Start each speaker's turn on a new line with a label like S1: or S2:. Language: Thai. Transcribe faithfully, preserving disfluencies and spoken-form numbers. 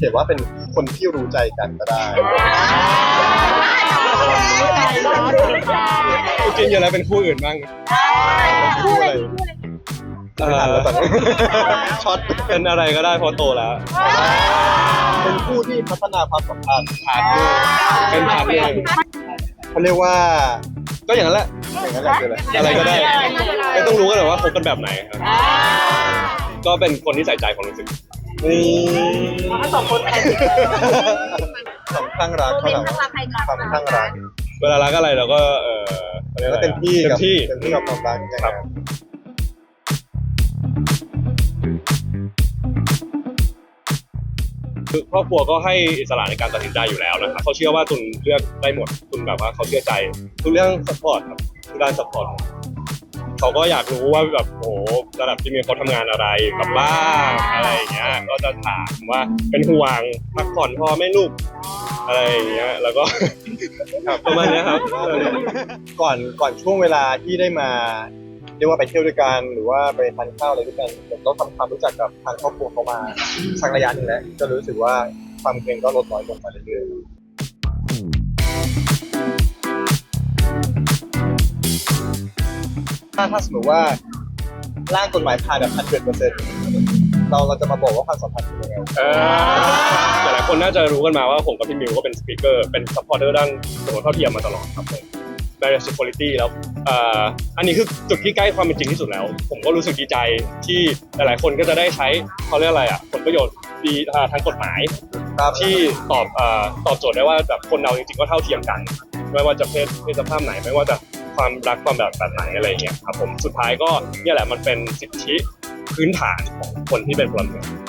S1: ขียนว่าเป็นคนที่รู้ใจกันก็ได้
S2: จริงๆอยู่แล้วเป็นคู่อื่นบ้าง
S1: คู่อะไรไม่ทันแล้วตอนนี้ช็อต
S2: เป็นอะไรก็ได้เพอโตแล้ว
S1: เป็นคู่ที่พัฒนาความสัมพันธ์พาร์ทเนอร์
S2: เป็นพาร์ทเนอร์
S1: เขาเรียกว่า
S2: ก็อย่างนั้นแหละ
S1: อย่างนั้นแหละคืออะไร
S2: อะไรก็ได้ไม่ต้องรู้กันหรอกว่าคบกันแบบไหนครับก็เป็นคนที่ใส่ใจความรู้สึก
S1: นี่
S3: สองคนแทน
S1: สองข้างรักเขาถามความข้างรัก
S2: เวลารักอะไรเราก็เออขารียก
S1: แล้
S2: อะ
S1: ว
S2: ไร
S1: เต็มที่
S2: เต็
S1: กับ
S2: มที่
S1: เต็มที่กับความรักนะ
S2: ค
S1: ค
S2: รั
S1: รับ บ
S2: คือครอบครัวก็ให้อิสระในการตัดสินใจอยู่แล้วนะครับเขาเชื่อว่าตุนเลือกได้หมดตุนแบบว่าเขาเชื่อใจทุกเรื่องซัพพอร์ตครับทุกด้านซัพพอร์ตเขาก็อยากรู้ว่าแบบโอ้โหระดับที่มีเขาทำงานอะไรกับบ้างอะไรอย่างเงี้ยก็จะถามว่าเป็นห่วงพักผ่อนพอไหม่ลูกอะไรอย่างเงี้ยแล้วก็ ประมาณเนี้ยครับ
S1: ก่อนก่อนช่วงเวลาที่ได้มาเรียกว่าไปเที่ยวด้วยกันหรือว่าไปทานข้าวอะไรด้วยกันผมก็ทำความรู้จักกับทางครอบครัวเขามาสักระยะหนึ่งแล้วก็รู้สึกว่าความเกรงก็ลดน้อยลงมาเรื่อยๆถ้าถ้าสมมติว่าร่างกฎหมายผ่านแบบพันเปอร์เซ็นต์เราเราจะมาบอกว่าความสัมพันธ์เป็นยังไง
S2: เออหลายๆคนน่าจะรู้กันมาว่าผมกับพี่มิวก็เป็นสปีกเกอร์เป็นซัพพอร์เตอร์ด้านสมรสเท่าเทียมมาตลอดครับผม Marriage Equality แล้วเอ่ออันนี้คือจุดที่ใกล้ความเป็นจริงที่สุดแล้ว ผมก็รู้สึกดีใจที่หลายๆคนก็จะได้ใช้เขาเรียกอะไรอ่ะผลประโยชน์ดีทางกฎหมาย
S1: ครับ
S2: ที่ตอบเอ่อตอบโจทย์ได้ว่าแบบคนเราจริงๆก็เท่าเทียมกัน ไม่ว่าจะเพศเพศสภาพไหนไม่ว่าจะความรักความแบบแบบไหนอะไรอย่างเงี้ยครับผมสุดท้ายก็เนี่ยแหละมันเป็นสิทธิพื้นฐานของคนที่เป็นพลเมือง